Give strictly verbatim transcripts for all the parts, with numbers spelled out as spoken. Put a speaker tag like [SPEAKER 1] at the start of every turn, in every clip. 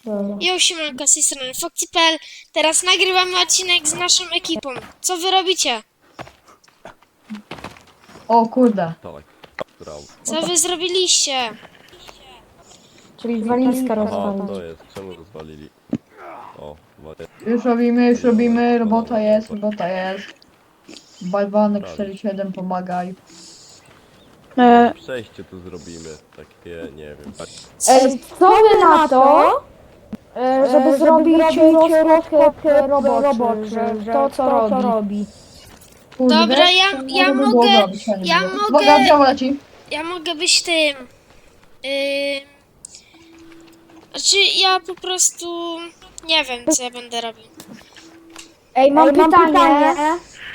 [SPEAKER 1] Jo, siemanko, z tej strony Foxy kropka p l. Teraz nagrywamy odcinek z naszą ekipą. Co wy robicie?
[SPEAKER 2] O kurde.
[SPEAKER 3] Tak, brawo.
[SPEAKER 1] Co wy zrobiliście?
[SPEAKER 4] Czyli walizka
[SPEAKER 3] A,
[SPEAKER 4] rozwalić.
[SPEAKER 3] to jest, czemu rozwalili? O, właśnie.
[SPEAKER 2] Już robimy, już robimy, robota jest, robota jest. Bajwanek cztery siedem, pomagaj.
[SPEAKER 4] E,
[SPEAKER 3] Przejście tu zrobimy, takie, nie wiem, tak.
[SPEAKER 1] Co?
[SPEAKER 4] e, co wy na to, e, żeby, żeby zrobić rozkład roboczy, że to co robi.
[SPEAKER 2] Kurde,
[SPEAKER 1] Dobra, ja-
[SPEAKER 2] to
[SPEAKER 1] ja
[SPEAKER 2] może by
[SPEAKER 1] mogę-
[SPEAKER 2] było zrobić, fajnie
[SPEAKER 1] ja
[SPEAKER 2] było.
[SPEAKER 1] mogę-
[SPEAKER 2] Uwaga, biało leci.
[SPEAKER 1] Ja mogę być tym... Yy... Znaczy, ja po prostu... Nie wiem, co ja będę robił.
[SPEAKER 4] Ej, mam, mam pytanie. pytanie.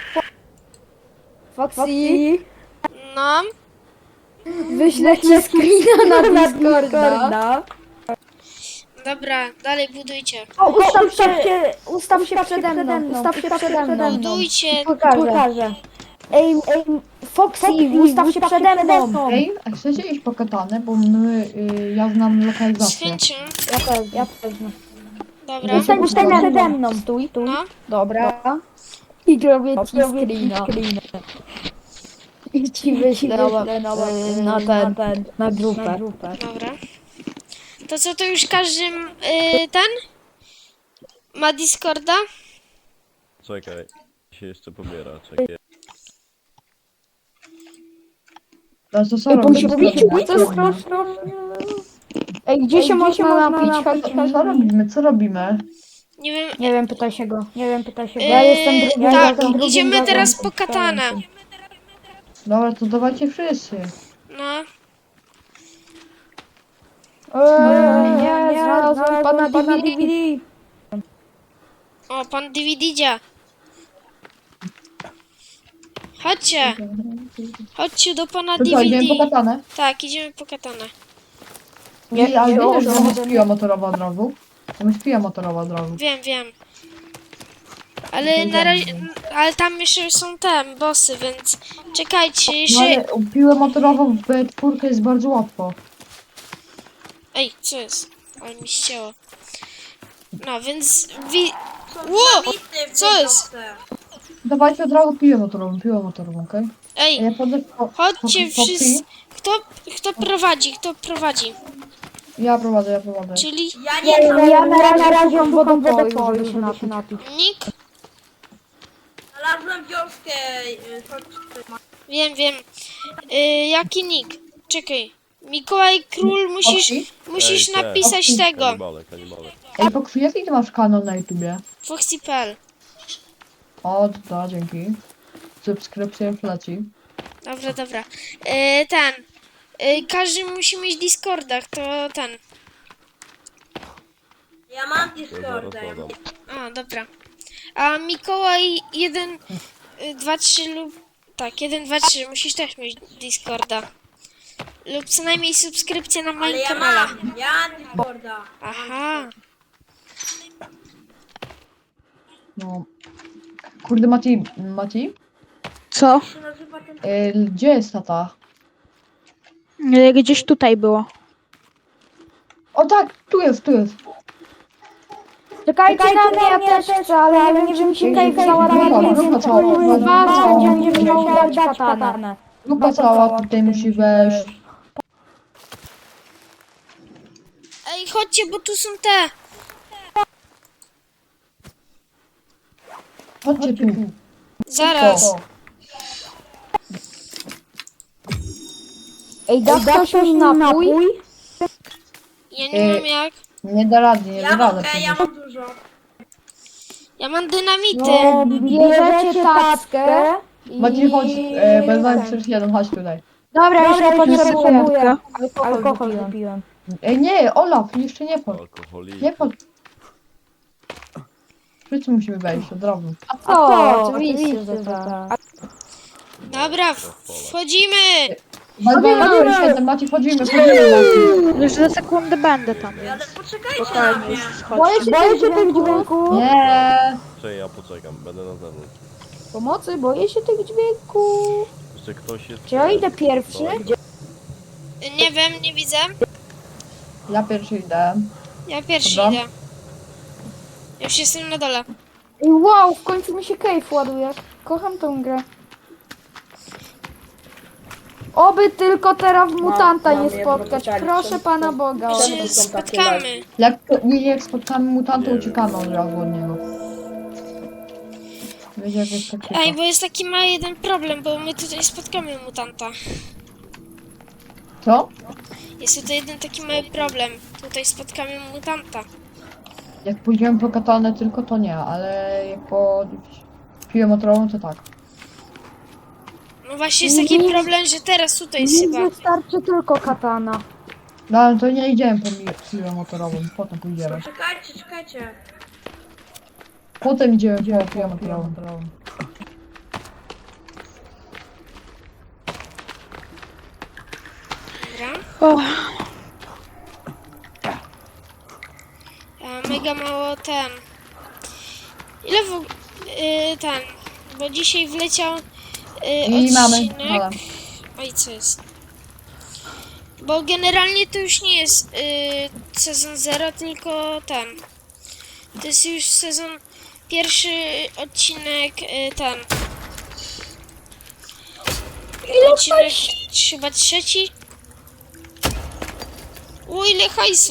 [SPEAKER 4] Foxy,
[SPEAKER 1] No,
[SPEAKER 4] wyślę ci screena na Discorda.
[SPEAKER 1] dobra, dalej budujcie.
[SPEAKER 4] O, ustaw się, ustaw się przede mną, ustaw się przede mną.
[SPEAKER 1] Budujcie.
[SPEAKER 4] Pokażę. Ej, ej, Foxy, ustaw się przede mną.
[SPEAKER 2] Ej, a chcecie iść po katanę, bo my, y, ja znam
[SPEAKER 1] Z
[SPEAKER 2] lokalizację.
[SPEAKER 1] chęcią.
[SPEAKER 4] Ja też, ja też.
[SPEAKER 1] Dobra.
[SPEAKER 4] Ustań się przede mną, stój, stój.
[SPEAKER 1] No,
[SPEAKER 4] Dobra. I robię ci screena. I ci wyślę na, na, ten, na grupę.
[SPEAKER 1] dobra. To co, to już każdy... Yy, ten? Ma Discorda?
[SPEAKER 3] Czekaj, się jeszcze pobiera, czekaj.
[SPEAKER 2] To co, co
[SPEAKER 4] Ej, bo
[SPEAKER 2] robisz?
[SPEAKER 4] się powiecie, co strasznie. Ej, gdzie się można napić? Chodź, chodź.
[SPEAKER 2] Co robimy, co robimy?
[SPEAKER 1] Nie wiem.
[SPEAKER 4] Nie wiem, pytaj się go. Nie wiem, pytaj się go.
[SPEAKER 1] Yy,
[SPEAKER 4] Ja jestem drugim. ja
[SPEAKER 1] tak,
[SPEAKER 4] jestem drugim
[SPEAKER 1] idziemy
[SPEAKER 4] razem.
[SPEAKER 1] teraz po katanę.
[SPEAKER 2] Dobra, to dawajcie wszyscy.
[SPEAKER 1] No,
[SPEAKER 4] Eee, nie, znalazłem pana D V D.
[SPEAKER 1] o, pan D V D idzie. Chodźcie, chodźcie do pana
[SPEAKER 2] To co, idziemy po
[SPEAKER 1] D V D.
[SPEAKER 2] katanę?
[SPEAKER 1] Tak, idziemy po katanę.
[SPEAKER 2] Nie,
[SPEAKER 4] Nie,
[SPEAKER 2] ale
[SPEAKER 4] nie,
[SPEAKER 2] wiesz, że
[SPEAKER 4] nie,
[SPEAKER 2] tam
[SPEAKER 4] nie.
[SPEAKER 2] jest piła motorowa od razu? Tam jest piła motorowa od razu.
[SPEAKER 1] Wiem, wiem. Ale na razie, ale tam jeszcze są te bossy, więc czekajcie,
[SPEAKER 2] No
[SPEAKER 1] jeszcze...
[SPEAKER 2] ale piłę motorową w B cztery jest bardzo łatwo.
[SPEAKER 1] Ej, co jest? Ale mi ścięło. No, więc... Wi... Ło! Co jest?
[SPEAKER 2] Dawajcie od razu piłę motorową, piłę motorową, okej?
[SPEAKER 1] Ej,
[SPEAKER 2] Ja podle... po-
[SPEAKER 1] chodźcie
[SPEAKER 2] po- po-
[SPEAKER 1] wszyscy... Kto, kto prowadzi, kto prowadzi?
[SPEAKER 2] Ja prowadzę, ja prowadzę.
[SPEAKER 1] Czyli
[SPEAKER 5] Ja
[SPEAKER 4] Ja,
[SPEAKER 5] nie
[SPEAKER 4] ja, ja na razie, razie mam wodę po, żeby się napić.
[SPEAKER 1] Nick?
[SPEAKER 5] znalazłem wioskę. y, chodź,
[SPEAKER 1] Wiem, wiem. Y, jaki nick? Czekaj. Mikołaj Król, musisz,
[SPEAKER 2] Foxy?
[SPEAKER 1] musisz
[SPEAKER 3] Ej, te.
[SPEAKER 1] napisać
[SPEAKER 2] Foxy.
[SPEAKER 1] tego.
[SPEAKER 3] Kanibale, kanibale.
[SPEAKER 2] Ej, Pokrzy, jaki ty masz kanał na YouTubie?
[SPEAKER 1] Foxy kropka p l.
[SPEAKER 2] O, to dzięki. Subskrypcja leci.
[SPEAKER 1] Dobra, dobra. Y, ten. Y, każdy musi mieć Discorda, to ten.
[SPEAKER 5] Ja mam
[SPEAKER 3] To zaraz
[SPEAKER 5] Discorda.
[SPEAKER 3] dodam.
[SPEAKER 1] A, dobra. A Mikołaj jeden, dwa, trzy lub... Tak, jeden, dwa, trzy. Musisz też mieć Discorda. Lub co najmniej subskrypcję na
[SPEAKER 5] Ale
[SPEAKER 1] moim
[SPEAKER 5] ja
[SPEAKER 1] kanale.
[SPEAKER 5] mam, ja mam Discorda.
[SPEAKER 1] Aha.
[SPEAKER 2] No. Kurde, Maciej, Maciej?
[SPEAKER 6] Co?
[SPEAKER 5] Jak się nazywa ten...
[SPEAKER 2] Ej, gdzie jest tata?
[SPEAKER 6] Nie, Gdzieś tutaj było.
[SPEAKER 2] O tak, tu jest, tu jest.
[SPEAKER 4] Czekajcie na mnie, ja też chcę, ale nie wiem, się
[SPEAKER 2] Ej,
[SPEAKER 4] tutaj cała
[SPEAKER 2] grupa,
[SPEAKER 4] rada,
[SPEAKER 2] grupa
[SPEAKER 4] więc
[SPEAKER 2] cała,
[SPEAKER 4] kurwa,
[SPEAKER 2] grupa
[SPEAKER 4] będziemy
[SPEAKER 2] cała.
[SPEAKER 4] musiał dać katanę.
[SPEAKER 2] Grupa cała tutaj musi wejść.
[SPEAKER 1] Ej, chodźcie, bo tu są te.
[SPEAKER 2] Chodźcie tu.
[SPEAKER 1] Zaraz.
[SPEAKER 4] Ej, da ktoś mi napój?
[SPEAKER 1] Ja nie mam
[SPEAKER 2] Ej.
[SPEAKER 1] jak.
[SPEAKER 2] Nie da rady, nie da
[SPEAKER 5] Ja
[SPEAKER 2] rady.
[SPEAKER 5] mogę, ja mam dużo.
[SPEAKER 1] Ja mam dynamity.
[SPEAKER 4] No, bierzecie tackę i...
[SPEAKER 2] Maciej, chodź, e, Bajwanek cztery siedem, chodź tutaj.
[SPEAKER 4] Dobra, już nie potrzebuję.
[SPEAKER 6] Sekundkę.
[SPEAKER 4] Alkohol wypiłem.
[SPEAKER 2] Ej, nie, Olaf, jeszcze nie chodź.
[SPEAKER 3] Alkoholik.
[SPEAKER 2] Nie chodź. Wszyscy musimy wejść od razu.
[SPEAKER 4] A co? Oczywiście, że tak.
[SPEAKER 1] Dobra, w- wchodzimy.
[SPEAKER 2] Bajwanek cztery siedem, Maciej, wchodzimy, wchodzimy, Maciej.
[SPEAKER 6] Już za sekundę będę tam,
[SPEAKER 5] Ale
[SPEAKER 6] więc
[SPEAKER 5] poczekajcie na
[SPEAKER 6] spokojnie,
[SPEAKER 5] mnie.
[SPEAKER 6] już
[SPEAKER 4] Boję
[SPEAKER 6] schodźcie.
[SPEAKER 4] się, boję się tych dźwięków.
[SPEAKER 2] Nie.
[SPEAKER 3] Czekaj, ja poczekam, będę na zewnątrz.
[SPEAKER 4] Pomocy, boję się tych dźwięków.
[SPEAKER 3] Jeszcze ktoś jest...
[SPEAKER 4] Czy ja idę pierwszy?
[SPEAKER 3] Daleko.
[SPEAKER 1] Nie wiem, nie widzę.
[SPEAKER 2] Ja pierwszy idę.
[SPEAKER 1] Ja pierwszy
[SPEAKER 2] Dobra.
[SPEAKER 1] idę. Ja już jestem na dole.
[SPEAKER 4] I wow, w końcu mi się cave ładuje. Kocham tą grę. Oby tylko teraz mutanta
[SPEAKER 5] mam
[SPEAKER 4] nie
[SPEAKER 5] jedno
[SPEAKER 4] spotkać.
[SPEAKER 5] pytanie.
[SPEAKER 4] Proszę
[SPEAKER 5] Czemu
[SPEAKER 4] Pana
[SPEAKER 5] to-
[SPEAKER 4] Boga.
[SPEAKER 5] Czemu
[SPEAKER 1] Czy
[SPEAKER 5] to są takie
[SPEAKER 1] spotkamy?
[SPEAKER 2] Jak, jak spotkamy mutanta,
[SPEAKER 3] Nie
[SPEAKER 2] uciekamy
[SPEAKER 3] wiem.
[SPEAKER 2] od razu od niego. Wiecie, jak jest taktyka.
[SPEAKER 1] Ej, bo jest taki mały jeden problem, bo my tutaj spotkamy mutanta.
[SPEAKER 2] Co?
[SPEAKER 1] Jest tutaj jeden taki mały problem. Tutaj spotkamy mutanta.
[SPEAKER 2] Jak pójdziemy po katanę tylko, to nie, ale jak po piłę motorową, to tak.
[SPEAKER 1] No właśnie jest taki
[SPEAKER 4] Nie-
[SPEAKER 1] problem, że teraz tutaj jest
[SPEAKER 4] Mi
[SPEAKER 1] chyba.
[SPEAKER 4] wystarczy tylko katana.
[SPEAKER 2] No ale to nie idziemy po mi- piłę motorową, potem pójdziemy.
[SPEAKER 5] Czekajcie, czekajcie.
[SPEAKER 2] Potem idziemy po piłę motorową.
[SPEAKER 1] Dobra.
[SPEAKER 6] O,
[SPEAKER 1] A mega mało ten. Ile w og- y, ten. Bo dzisiaj wleciał y,
[SPEAKER 2] I mamy.
[SPEAKER 1] odcinek.
[SPEAKER 2] Dobra.
[SPEAKER 1] Oj, co jest? Bo generalnie to już nie jest y, sezon zero, tylko ten. To jest już sezon pierwszy odcinek y, ten. Odcinek chyba trzeci. O, ile hajsu.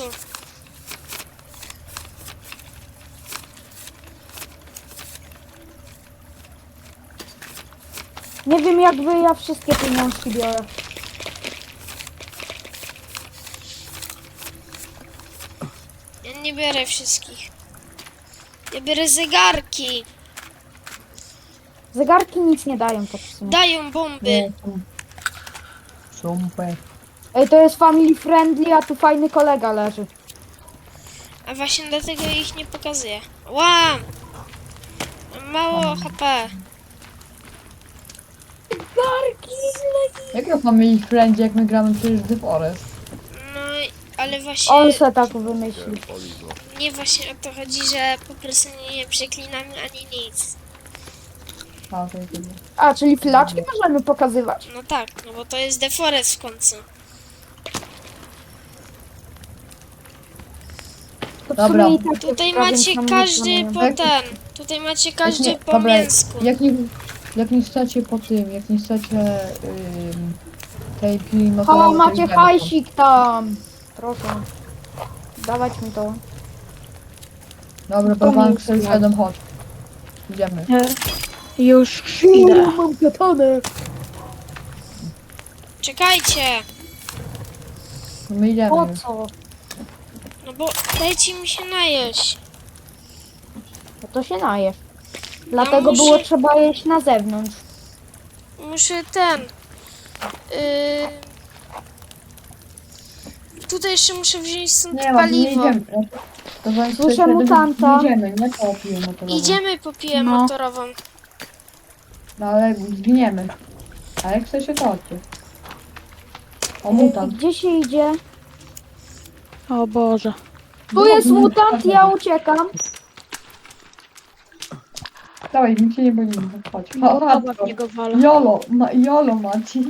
[SPEAKER 4] Nie wiem jak wy, ja wszystkie pieniążki biorę.
[SPEAKER 1] Ja nie biorę wszystkich. Ja biorę zegarki.
[SPEAKER 4] Zegarki nic nie dają tak w sumie.
[SPEAKER 1] Dają bomby.
[SPEAKER 2] Nie, są- Super.
[SPEAKER 4] Ej, to jest family friendly, a tu fajny kolega leży.
[SPEAKER 1] A właśnie dlatego ich nie pokazuję. Ła! Mam mało H P.
[SPEAKER 2] Jak to mamy ich friendly, jak my gramy przecież The Forest?
[SPEAKER 1] No, i- ale właśnie
[SPEAKER 4] On se tak wymyślił.
[SPEAKER 3] Poligo.
[SPEAKER 1] nie właśnie o to chodzi, że po prostu nie przeklinamy ani nic.
[SPEAKER 2] A, to jest
[SPEAKER 4] A, czyli flaczki możemy pokazywać?
[SPEAKER 1] No tak, no bo to jest The Forest w końcu.
[SPEAKER 4] To w
[SPEAKER 2] Dobra.
[SPEAKER 4] sumie i tak
[SPEAKER 1] Tutaj
[SPEAKER 4] jest prawie
[SPEAKER 1] macie
[SPEAKER 4] sam
[SPEAKER 1] każdy
[SPEAKER 4] nic
[SPEAKER 1] po
[SPEAKER 2] Jak-
[SPEAKER 1] ten. Tutaj macie każdy
[SPEAKER 2] Jak nie-
[SPEAKER 1] po
[SPEAKER 2] dobra,
[SPEAKER 1] mięsku.
[SPEAKER 2] Jak nie, jak nie chcecie po tym, jak nie chcecie ym, tej piły
[SPEAKER 4] O,
[SPEAKER 2] motorowej, to
[SPEAKER 4] macie
[SPEAKER 2] idziemy
[SPEAKER 4] hajsik tam. Proszę. Dawać mi to.
[SPEAKER 2] tam. Dobra,
[SPEAKER 4] To
[SPEAKER 2] Bałwanek
[SPEAKER 4] nic
[SPEAKER 2] cztery
[SPEAKER 4] nie.
[SPEAKER 2] siedem, chodź. Idziemy.
[SPEAKER 6] e, już idę.
[SPEAKER 4] Mam katanę.
[SPEAKER 1] Czekajcie!
[SPEAKER 2] My idziemy
[SPEAKER 4] Po
[SPEAKER 2] już.
[SPEAKER 4] co?
[SPEAKER 1] No bo dajcie mi się najeść.
[SPEAKER 4] No to się najesz. Dlatego
[SPEAKER 1] muszę-
[SPEAKER 4] było trzeba jeść na zewnątrz.
[SPEAKER 1] Muszę ten. Yy... Tutaj jeszcze muszę wziąć stąd
[SPEAKER 2] Nie ma, nie
[SPEAKER 1] paliwo.
[SPEAKER 2] idziemy. To Bałwanek
[SPEAKER 4] Słyszę
[SPEAKER 2] cztery siedem,
[SPEAKER 4] mutanta.
[SPEAKER 2] Nie idziemy, nie po piłę motorową.
[SPEAKER 1] Idziemy po piłę
[SPEAKER 6] No.
[SPEAKER 1] motorową.
[SPEAKER 2] No ale zginiemy. A jak chcecie, to chodźcie. O,
[SPEAKER 4] Ej,
[SPEAKER 2] mutant.
[SPEAKER 4] Gdzie się idzie?
[SPEAKER 6] O Boże.
[SPEAKER 4] Tu jest mutant, ja uciekam.
[SPEAKER 2] Dawaj, my się nie boimy, chodź.
[SPEAKER 6] No,
[SPEAKER 2] O, chodź,
[SPEAKER 6] chyba w niego walę.
[SPEAKER 2] Jolo, ma, Jolo Maci.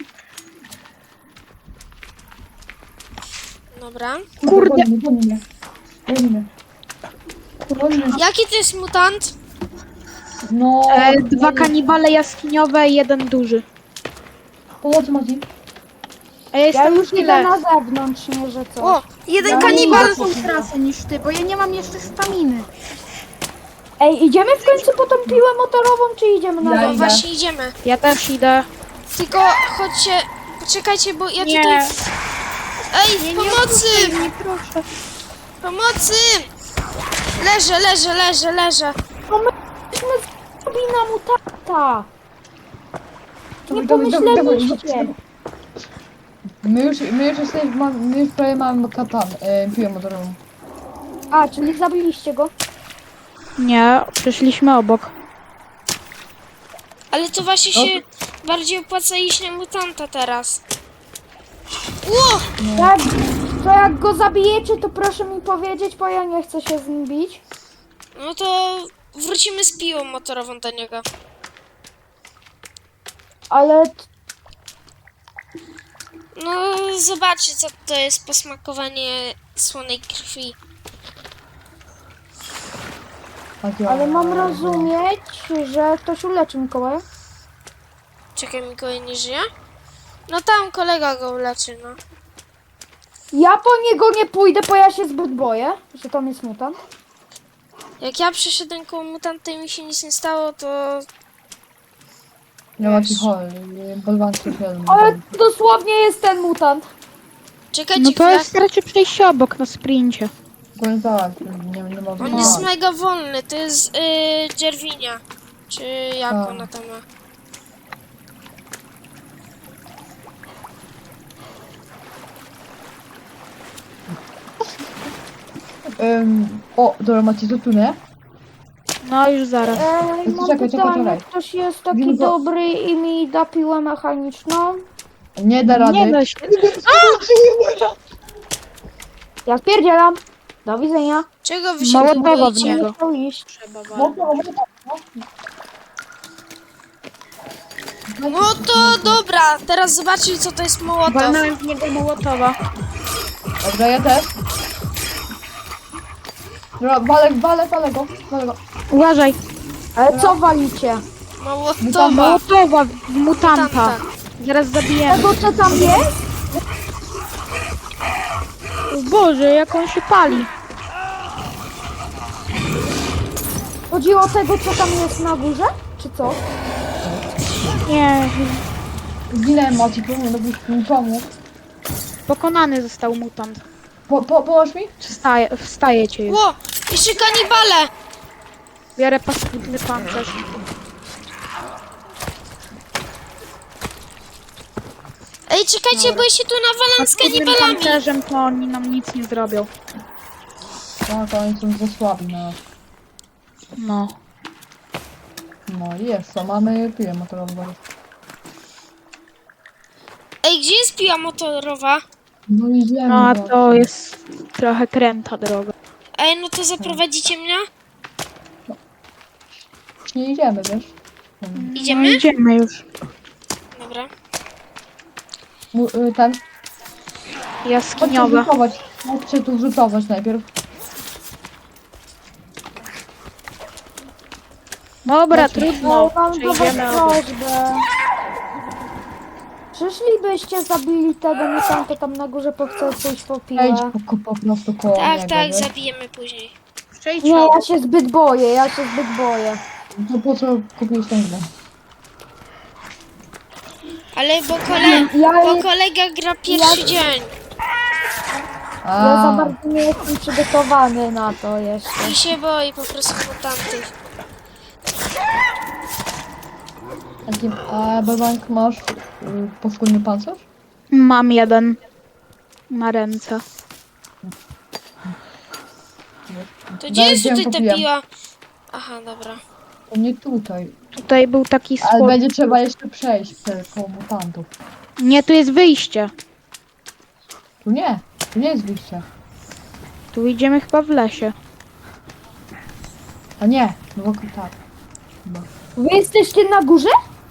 [SPEAKER 1] Dobra.
[SPEAKER 6] Kurde.
[SPEAKER 2] Goni, goni mnie. Goni mnie. Goni mnie.
[SPEAKER 1] Jaki to jest mutant?
[SPEAKER 2] No,
[SPEAKER 6] E, dwa kanibale jaskiniowe i jeden duży.
[SPEAKER 2] pomocy Maci.
[SPEAKER 6] A ja
[SPEAKER 4] Ja
[SPEAKER 6] jestem
[SPEAKER 4] już idę
[SPEAKER 6] tyle.
[SPEAKER 4] na zewnątrz, nie że co.
[SPEAKER 1] O, jeden
[SPEAKER 2] Ja
[SPEAKER 1] kanibal!
[SPEAKER 2] nie
[SPEAKER 6] Są trasy niż ty, bo ja nie mam jeszcze staminy.
[SPEAKER 4] Ej, idziemy w końcu po tą piłę motorową, czy idziemy na
[SPEAKER 2] Ja
[SPEAKER 1] No
[SPEAKER 4] zewnątrz?
[SPEAKER 2] idę.
[SPEAKER 1] właśnie idziemy.
[SPEAKER 6] Ja też idę.
[SPEAKER 1] Tylko chodźcie, poczekajcie, bo ja
[SPEAKER 6] Nie.
[SPEAKER 1] tutaj... Ej,
[SPEAKER 6] Nie, nie
[SPEAKER 1] pomocy!
[SPEAKER 6] odpuszczaj mnie, proszę.
[SPEAKER 1] Pomocy! Leżę, leżę, leżę, leżę.
[SPEAKER 4] No my myśmy zrobili na mutanta. Nie
[SPEAKER 2] Dawaj, dawaj, dawaj,
[SPEAKER 4] pomyśleliście.
[SPEAKER 2] dawaj. My już, my już jesteśmy, ma- my już prawie mamy katan, e, piłę motorową.
[SPEAKER 4] A, czyli zabiliście go?
[SPEAKER 6] Nie, przeszliśmy obok.
[SPEAKER 1] Ale to właśnie się bardziej opłaca iść na mutanta teraz. Ło!
[SPEAKER 4] Tak. To jak go zabijecie, to proszę mi powiedzieć, bo ja nie chcę się z nim bić.
[SPEAKER 1] No to wrócimy z piłą motorową do niego.
[SPEAKER 4] Ale t-
[SPEAKER 1] No zobaczcie, co to jest posmakowanie słonej krwi.
[SPEAKER 2] Takie-
[SPEAKER 4] Ale mam rozumieć, że ktoś uleczy Mikołaja?
[SPEAKER 1] Czekaj, Mikołaj nie żyje? No tam kolega go uleczy, no.
[SPEAKER 4] Ja po niego nie pójdę, bo ja się zbyt boję, że tam jest mutant.
[SPEAKER 1] Jak ja przeszedłem koło mutanta i mi się nic nie stało, to...
[SPEAKER 2] Nie ma ci chory, bolwan się film.
[SPEAKER 4] Ale dosłownie jest ten mutant.
[SPEAKER 1] Czekajcie
[SPEAKER 6] No to
[SPEAKER 1] chwilę.
[SPEAKER 6] jest raczej przejście obok na sprincie.
[SPEAKER 2] Powiem tak, nie, nie ma
[SPEAKER 1] On jest mega wolny, to jest yy, Dzierwinia. Czy jak
[SPEAKER 2] Tak.
[SPEAKER 1] ona tam ma?
[SPEAKER 2] Um, o, dobra, macie to tu, nie?
[SPEAKER 6] No już zaraz.
[SPEAKER 4] Ej,
[SPEAKER 2] Czekaj,
[SPEAKER 4] mam
[SPEAKER 2] czekaj,
[SPEAKER 4] pytanie,
[SPEAKER 2] czekaj.
[SPEAKER 4] ktoś jest taki
[SPEAKER 2] Wilgo-
[SPEAKER 4] dobry i mi da piłę mechaniczną?
[SPEAKER 2] Nie da rady.
[SPEAKER 6] Nie da się.
[SPEAKER 4] Ja spierdzielam. Do widzenia.
[SPEAKER 1] Czego wy się
[SPEAKER 6] Mała
[SPEAKER 1] tu
[SPEAKER 6] bawa w
[SPEAKER 1] boicie?
[SPEAKER 6] niego.
[SPEAKER 4] Nie chciał iść.
[SPEAKER 6] Trzeba
[SPEAKER 2] No, no, no.
[SPEAKER 1] No to dobra, teraz zobaczcie co to jest Mołotow.
[SPEAKER 6] Walnąłem w niego Mołotowa.
[SPEAKER 2] Dobra, ja też. Dobra, walę, walę, walę go, walę go.
[SPEAKER 6] Uważaj.
[SPEAKER 4] Ale co walicie?
[SPEAKER 1] Mołotowa.
[SPEAKER 6] Mołotowa w mutanta.
[SPEAKER 1] Mutanta.
[SPEAKER 6] Zaraz zabijemy.
[SPEAKER 4] Tego co tam jest?
[SPEAKER 6] O Boże, jak on się pali.
[SPEAKER 4] Chodziło o tego co tam jest na górze? Czy co?
[SPEAKER 6] Nie,
[SPEAKER 2] Zginąłem, Maci, pomóż, no byś mi pomógł.
[SPEAKER 6] pokonany został mutant.
[SPEAKER 2] Po, po, pomoż mi?
[SPEAKER 6] Wstaje, wstaje cię już.
[SPEAKER 1] Ło, jeszcze kanibale.
[SPEAKER 6] Biorę paskudny pancerz.
[SPEAKER 1] Ej, czekajcie, bo ja się tu nawalam z
[SPEAKER 6] Paskudnym
[SPEAKER 1] kanibalami.
[SPEAKER 6] pancerzem to oni nam nic nie zrobią.
[SPEAKER 2] Tak, oni są za słabi na nas.
[SPEAKER 6] No.
[SPEAKER 2] No i jest, co mamy piłę motorową.
[SPEAKER 1] Ej, gdzie jest piła motorowa?
[SPEAKER 2] No i wiemy.
[SPEAKER 6] No a
[SPEAKER 2] no.
[SPEAKER 6] to jest trochę kręta droga.
[SPEAKER 1] Ej, no to zaprowadzicie mnie?
[SPEAKER 2] Już nie idziemy, wiesz?
[SPEAKER 6] No
[SPEAKER 1] Idziemy?
[SPEAKER 6] idziemy już.
[SPEAKER 1] Dobra.
[SPEAKER 2] Mu, y, ten, chodźcie
[SPEAKER 6] Jaskiniowa.
[SPEAKER 2] rzutować. Chodźcie tu rzutować najpierw.
[SPEAKER 6] Dobra,
[SPEAKER 2] Chodźcie.
[SPEAKER 6] trudno.
[SPEAKER 4] Mam do was
[SPEAKER 6] Przejdziemy obok.
[SPEAKER 4] prośbę. Przyszlibyście, zabili tego mutanta tam na górze, bo chcę pójść po
[SPEAKER 2] Idź
[SPEAKER 4] piłę.
[SPEAKER 2] po, po prostu koło
[SPEAKER 1] Tak,
[SPEAKER 2] niego,
[SPEAKER 1] tak,
[SPEAKER 2] wiesz?
[SPEAKER 1] zabijemy później.
[SPEAKER 6] Przejdź
[SPEAKER 4] Nie,
[SPEAKER 6] obok.
[SPEAKER 4] ja się zbyt boję, ja się zbyt boję.
[SPEAKER 2] To po co kupiłeś ten grę?
[SPEAKER 1] Ale bo, kole...
[SPEAKER 4] Ja,
[SPEAKER 1] bo
[SPEAKER 4] ja,
[SPEAKER 1] kolega gra pierwszy
[SPEAKER 4] Ja-
[SPEAKER 1] dzień.
[SPEAKER 4] ja za
[SPEAKER 2] A,
[SPEAKER 4] bardzo nie jestem przygotowany na to jeszcze.
[SPEAKER 1] I się boi po prostu mutantów.
[SPEAKER 2] Jaki, a Bebank masz y, poskórny pancerz?
[SPEAKER 6] Mam jeden na ręce.
[SPEAKER 1] To gdzie
[SPEAKER 2] Daj,
[SPEAKER 1] jest
[SPEAKER 2] gdzie
[SPEAKER 1] tutaj
[SPEAKER 2] ją
[SPEAKER 1] ta
[SPEAKER 2] kupiłem?
[SPEAKER 1] piła? Aha, dobra.
[SPEAKER 2] To nie tutaj.
[SPEAKER 6] Tutaj był taki
[SPEAKER 2] Ale
[SPEAKER 6] schód.
[SPEAKER 2] będzie trzeba jeszcze przejść te koło mutantów.
[SPEAKER 6] Nie, tu jest wyjście.
[SPEAKER 2] Tu nie, tu nie jest wyjście.
[SPEAKER 6] Tu idziemy chyba w lesie.
[SPEAKER 2] A nie, no bo tak. Chyba.
[SPEAKER 4] Wy jesteście na górze?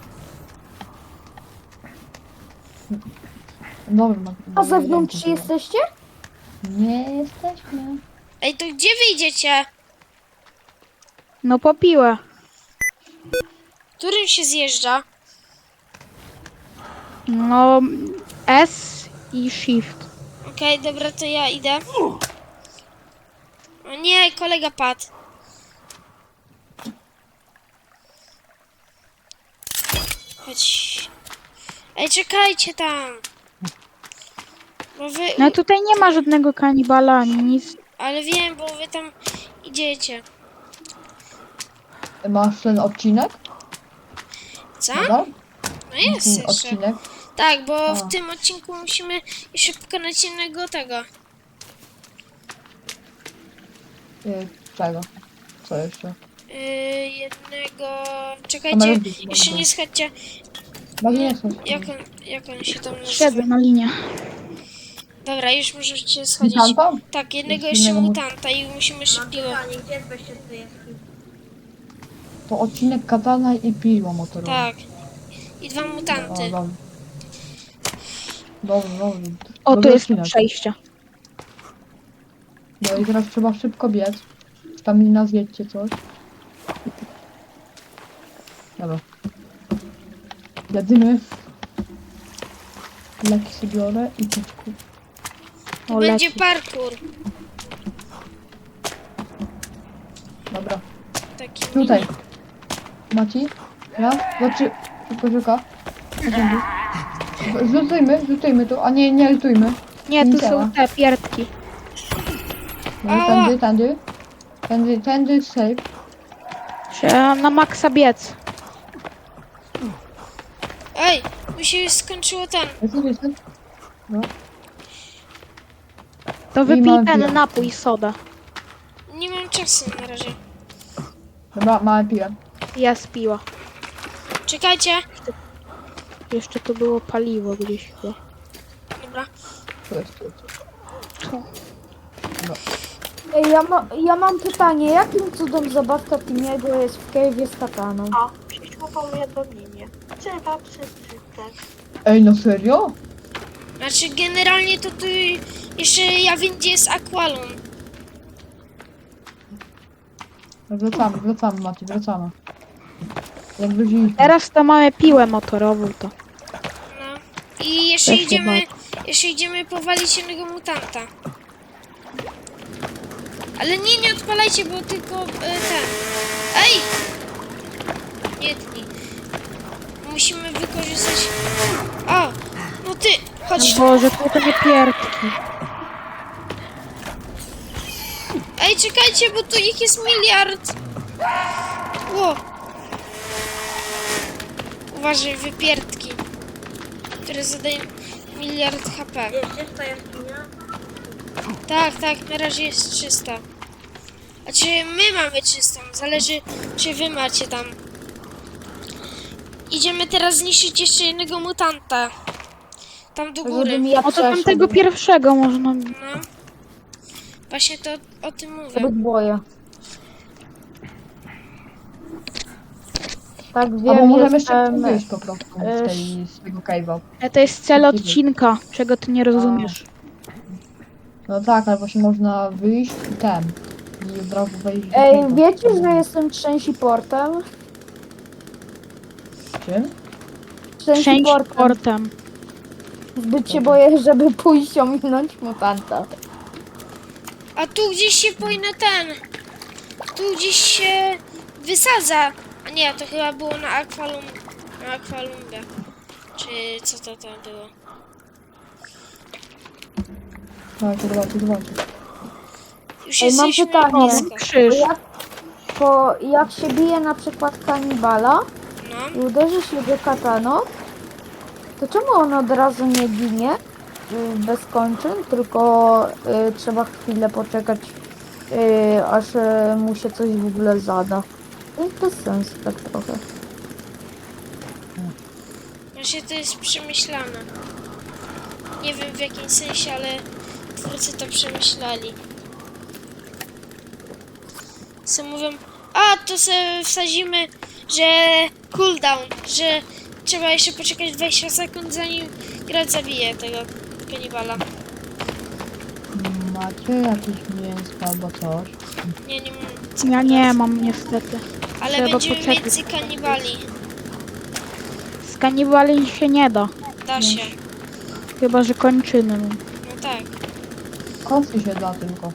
[SPEAKER 2] Dobra, no,
[SPEAKER 4] A
[SPEAKER 2] dobra,
[SPEAKER 4] zewnątrz
[SPEAKER 2] wiem, co
[SPEAKER 4] jesteście?
[SPEAKER 2] to. Nie jesteśmy.
[SPEAKER 1] Ej, to gdzie wyjdziecie?
[SPEAKER 6] No po piłę.
[SPEAKER 1] Którym się zjeżdża?
[SPEAKER 6] No S i Shift.
[SPEAKER 1] Okej, dobra, to ja idę. O nie, kolega padł. Chodź. Ej, czekajcie tam. Bo wy...
[SPEAKER 6] No tutaj nie ma żadnego kanibala ani nic.
[SPEAKER 1] Ale wiem, bo wy tam idziecie.
[SPEAKER 2] Masz ten odcinek?
[SPEAKER 1] Co?
[SPEAKER 2] Dobra?
[SPEAKER 1] No jest
[SPEAKER 2] Ten
[SPEAKER 1] jeszcze.
[SPEAKER 2] odcinek?
[SPEAKER 1] Tak, bo
[SPEAKER 2] A.
[SPEAKER 1] w tym odcinku musimy jeszcze pokonać innego tego.
[SPEAKER 2] Y, czego? Co jeszcze?
[SPEAKER 1] Yy, jednego... Czekajcie,
[SPEAKER 2] Kamerowicz,
[SPEAKER 1] jeszcze
[SPEAKER 2] może.
[SPEAKER 1] nie schodźcie.
[SPEAKER 2] Bardzo nie są.
[SPEAKER 1] Jak on, jak on się tam nazywa?
[SPEAKER 6] Siedzę na linie.
[SPEAKER 1] Dobra, już możecie schodzić.
[SPEAKER 2] Mutanta?
[SPEAKER 1] Tak, jednego
[SPEAKER 2] Jest
[SPEAKER 1] jeszcze
[SPEAKER 2] innego mu-
[SPEAKER 1] mutanta i musimy jeszcze
[SPEAKER 5] Mam
[SPEAKER 1] piłę.
[SPEAKER 5] pytanie, gdzie jest wejście do tej jaskini?
[SPEAKER 2] To odcinek katana i piła motorowa.
[SPEAKER 1] Tak. I dwa
[SPEAKER 2] O,
[SPEAKER 1] mutanty.
[SPEAKER 2] dobra. Dobrze, dobrze.
[SPEAKER 6] O, tu
[SPEAKER 2] Dobry
[SPEAKER 6] jest
[SPEAKER 2] odcinek.
[SPEAKER 6] przejście.
[SPEAKER 2] No i teraz trzeba szybko biec. Stamina zjedźcie coś. Dobra. Jadymy. Leki sobie biorę i piczku.
[SPEAKER 1] To
[SPEAKER 6] O,
[SPEAKER 1] będzie
[SPEAKER 6] leci.
[SPEAKER 1] parkour.
[SPEAKER 2] Dobra.
[SPEAKER 1] Taki
[SPEAKER 2] Tutaj. Maci? Raz, dwa, trzy. Szybko, szybko. Chodźmy. Zlutujmy, zlutujmy tu, a nie, nie lutujmy.
[SPEAKER 6] Nie, tu
[SPEAKER 2] Nie działa.
[SPEAKER 6] są te pierdki.
[SPEAKER 2] No,
[SPEAKER 1] Ała.
[SPEAKER 2] tędy, tędy. Tędy, tędy, safe.
[SPEAKER 6] Trzeba na maksa biec.
[SPEAKER 1] Ej, mi się już skończyło ten.
[SPEAKER 2] Jestem, jestem.
[SPEAKER 6] To
[SPEAKER 2] I
[SPEAKER 6] wypij
[SPEAKER 2] mam
[SPEAKER 6] ten
[SPEAKER 2] piłę.
[SPEAKER 6] napój soda.
[SPEAKER 1] Nie mam czasu na razie.
[SPEAKER 2] Dobra, mamy piłę.
[SPEAKER 6] Jest piła.
[SPEAKER 1] Czekajcie.
[SPEAKER 6] Jeszcze tu było paliwo gdzieś chyba.
[SPEAKER 1] Dobra.
[SPEAKER 2] Tu jest, tu jest.
[SPEAKER 6] Tu.
[SPEAKER 4] Ej, ja, ma, ja mam pytanie, jakim cudem zabawka Timiego jest w cave'ie z kataną?
[SPEAKER 5] O, przyszło powiadomienie. Trzeba przeczytać.
[SPEAKER 2] Ej, no serio?
[SPEAKER 1] Znaczy generalnie to tu jeszcze ja wiem gdzie jest Aqualon.
[SPEAKER 2] Wracamy, wracamy, Maci, wracamy. Jak wróciliśmy.
[SPEAKER 6] Teraz to mamy piłę motorową to.
[SPEAKER 1] No. I jeszcze
[SPEAKER 6] Też się
[SPEAKER 1] idziemy, jeszcze idziemy powalić jednego mutanta. Ale nie, nie odpalajcie, bo tylko e, ten. Ej! Nie tnij. Musimy wykorzystać... O! No ty! Chodź tu.
[SPEAKER 6] Boże, tu to nie pierdki.
[SPEAKER 1] Ej, czekajcie, bo tu ich jest miliard. Ło! Uważaj, wypierdki. Które zadają miliard H P.
[SPEAKER 5] Jest czysta jaskinia?
[SPEAKER 1] Tak, tak, na razie jest czysta. A czy my mamy czystą? Zależy, czy wy macie tam. Idziemy teraz zniszczyć jeszcze jednego mutanta. Tam do góry.
[SPEAKER 4] Żebym ja
[SPEAKER 6] O to
[SPEAKER 4] przeszedł.
[SPEAKER 6] tamtego pierwszego można...
[SPEAKER 1] No. Właśnie to o tym mówię.
[SPEAKER 4] Zbyt boję. Tak
[SPEAKER 2] Albo
[SPEAKER 4] wiem,
[SPEAKER 2] możemy jeszcze
[SPEAKER 4] jestem...
[SPEAKER 2] wyjść po prostu
[SPEAKER 4] e,
[SPEAKER 2] z, tej, z tego cave'a.
[SPEAKER 6] E, To jest cel odcinka, czego ty nie rozumiesz.
[SPEAKER 2] No tak, ale właśnie można wyjść i ten. I od razu wejść do
[SPEAKER 4] Ej,
[SPEAKER 2] cave'a.
[SPEAKER 4] wiecie, że jestem trzęsi portem?
[SPEAKER 2] Czym?
[SPEAKER 4] Trzęsi
[SPEAKER 6] Część
[SPEAKER 4] portem.
[SPEAKER 6] portem.
[SPEAKER 4] Zbyt się boję, żeby pójść ominąć mutanta.
[SPEAKER 1] A tu gdzieś się powinno ten. Tu gdzieś się wysadza. A nie, to chyba było na Aqualum. Na Aqualumie. Czy co to tam było?
[SPEAKER 2] Dawajcie, dawajcie, dawajcie.
[SPEAKER 1] Już
[SPEAKER 4] Ej, mam
[SPEAKER 1] jesteśmy
[SPEAKER 4] pytanie.
[SPEAKER 1] blisko.
[SPEAKER 6] Krzyż.
[SPEAKER 4] Jak, po, jak się bije na przykład kanibala
[SPEAKER 1] No.
[SPEAKER 4] i uderzy się go kataną, to czemu on od razu nie ginie y, bez kończyn, tylko y, trzeba chwilę poczekać, y, aż y, mu się coś w ogóle zada. To jest bez sensu tak trochę.
[SPEAKER 1] Właśnie to jest przemyślane. Nie wiem w jakim sensie, ale twórcy to przemyśleli. Co mówią, a to sobie wsadzimy, że cooldown, że trzeba jeszcze poczekać dwadzieścia sekund zanim gracz zabije tego kanibala.
[SPEAKER 2] Macie jakieś mięsko albo coś?
[SPEAKER 1] Nie, nie mam.
[SPEAKER 6] Ja nie mam niestety.
[SPEAKER 1] Ale
[SPEAKER 6] trzeba
[SPEAKER 1] będziemy
[SPEAKER 6] poczekać.
[SPEAKER 1] więcej kanibali.
[SPEAKER 6] Z kanibali się nie da.
[SPEAKER 1] Da się.
[SPEAKER 6] Chyba, że kończyny.
[SPEAKER 1] No tak.
[SPEAKER 2] Kończy się da tylko.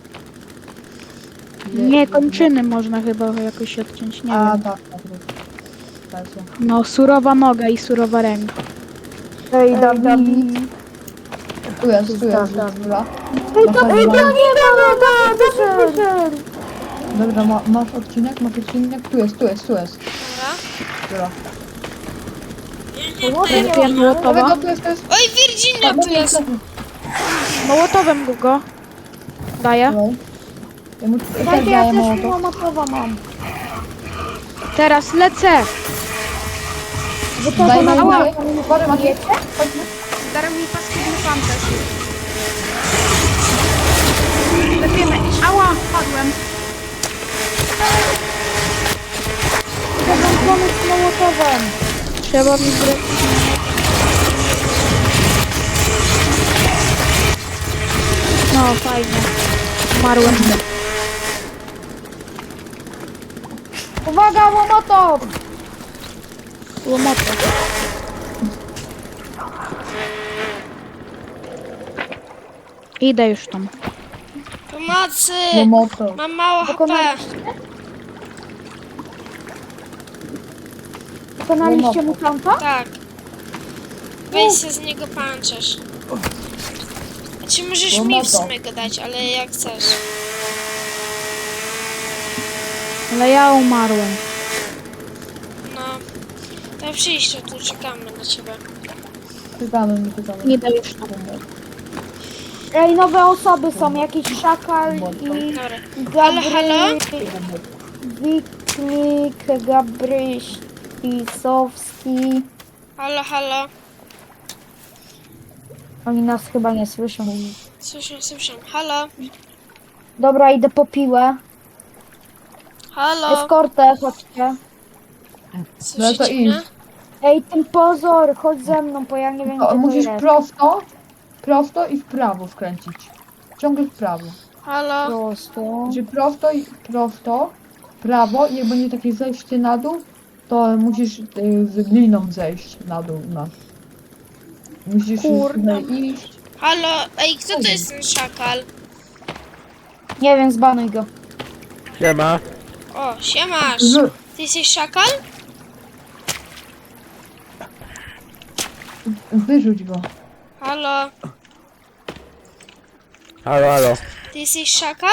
[SPEAKER 2] Je-
[SPEAKER 6] Nie, kończyny można chyba jakoś odciąć, nie
[SPEAKER 2] A
[SPEAKER 6] wiem.
[SPEAKER 2] tak, tak. tak. Dajcie.
[SPEAKER 6] No, surowa noga i surowa ręka.
[SPEAKER 4] Ej, Dawid.
[SPEAKER 2] Tu jest, tu jest,
[SPEAKER 4] Dawid.
[SPEAKER 2] dobra.
[SPEAKER 4] Ej,
[SPEAKER 2] Masz,
[SPEAKER 4] to, ej,
[SPEAKER 2] masz,
[SPEAKER 4] to nie ma, Dawid wyszedł.
[SPEAKER 2] dobra, ma, masz odcinek, masz odcinek, tu jest, tu jest, tu jest.
[SPEAKER 1] Dobra.
[SPEAKER 2] Dobra.
[SPEAKER 4] Ładnie.
[SPEAKER 6] Wypiję mołotowa.
[SPEAKER 2] Dawaj, tu jest, tu jest.
[SPEAKER 1] Oj, Virginia tu jest!
[SPEAKER 6] Mołotowem go go. Daję.
[SPEAKER 2] Dawaj. Ja mu też
[SPEAKER 4] Tak, ja
[SPEAKER 2] daję
[SPEAKER 4] też
[SPEAKER 2] mołotow.
[SPEAKER 4] mołotowa mam.
[SPEAKER 6] Teraz lecę.
[SPEAKER 4] Wy też
[SPEAKER 2] Daj, daj,
[SPEAKER 4] macie?
[SPEAKER 2] daj. Uważaj, Maciej. Chodźmy.
[SPEAKER 6] Darem mi paskudny pancerz. Lepiemy. Ała, padłem.
[SPEAKER 4] Trzeba pomóc mołotowem.
[SPEAKER 6] Trzeba mi zre... No, fajnie. Umarłem.
[SPEAKER 4] Uwaga, mołotow!
[SPEAKER 6] Łomotę. Idę już tam.
[SPEAKER 1] Pomocy!
[SPEAKER 2] No moto.
[SPEAKER 1] Mam mało H P.
[SPEAKER 4] Pokonaliście? Pokonaliście mutanta?
[SPEAKER 1] Tak. Weź się z niego pancerz. Znaczy możesz
[SPEAKER 2] No
[SPEAKER 1] mi
[SPEAKER 2] no
[SPEAKER 1] w
[SPEAKER 2] to.
[SPEAKER 1] sumie go dać, ale jak chcesz.
[SPEAKER 6] Ale ja umarłem.
[SPEAKER 1] No. To przyjść, tu czekamy na ciebie.
[SPEAKER 2] Czekamy, nie czekamy.
[SPEAKER 6] Idę już tam.
[SPEAKER 4] Ej, nowe osoby są, jakiś szakal i
[SPEAKER 1] Dobra. Halo, halo?
[SPEAKER 4] Wiknik, Gabryś, Pisowski.
[SPEAKER 1] Halo, halo.
[SPEAKER 4] Oni nas chyba nie słyszą.
[SPEAKER 1] Słyszę, słyszę. Halo,
[SPEAKER 4] Dobra, idę po piłę.
[SPEAKER 1] halo.
[SPEAKER 4] Eskortę, chodźcie.
[SPEAKER 2] No
[SPEAKER 1] Słyszycie
[SPEAKER 2] to
[SPEAKER 1] mnie?
[SPEAKER 2] idź.
[SPEAKER 4] Ej, ten pozor, chodź ze mną, bo ja nie wiem,
[SPEAKER 2] No,
[SPEAKER 4] gdzie to
[SPEAKER 2] musisz
[SPEAKER 4] jest.
[SPEAKER 2] prosto, prosto i w prawo skręcić. Ciągle w prawo.
[SPEAKER 1] Halo.
[SPEAKER 4] Prosto.
[SPEAKER 2] Znaczy prosto i prosto, w prawo i jak będzie takie zejście na dół, to musisz y, z gliną zejść na dół. No. Musisz
[SPEAKER 4] Kurde.
[SPEAKER 2] tutaj iść.
[SPEAKER 1] Halo. Ej, kto to jest ten szakal?
[SPEAKER 4] Nie wiem, zbanuj go.
[SPEAKER 3] Siema.
[SPEAKER 1] O, siemasz.
[SPEAKER 2] Z,
[SPEAKER 1] Ty jesteś szakal?
[SPEAKER 2] wyrzuć go.
[SPEAKER 1] Halo.
[SPEAKER 3] Halo, halo.
[SPEAKER 1] Ty jesteś szakal?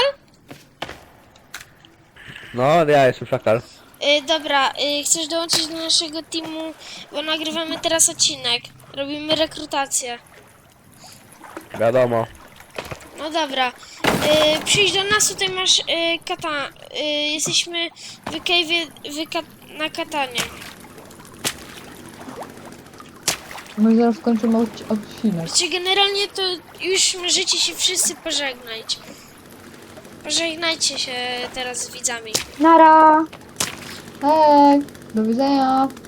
[SPEAKER 3] No, ja jestem szakal.
[SPEAKER 1] Y, dobra, y, chcesz dołączyć do naszego teamu, bo nagrywamy teraz odcinek. Robimy rekrutację.
[SPEAKER 3] Wiadomo.
[SPEAKER 1] No dobra. Y, przyjdź do nas, tutaj masz y, kata. Y, jesteśmy w cave'ie w ka- na katanie.
[SPEAKER 2] No i zaraz kończymy odci- odcinek.
[SPEAKER 1] Znaczy generalnie to już możecie się wszyscy pożegnać. Pożegnajcie się teraz z widzami.
[SPEAKER 4] Nara!
[SPEAKER 2] Hej, do widzenia.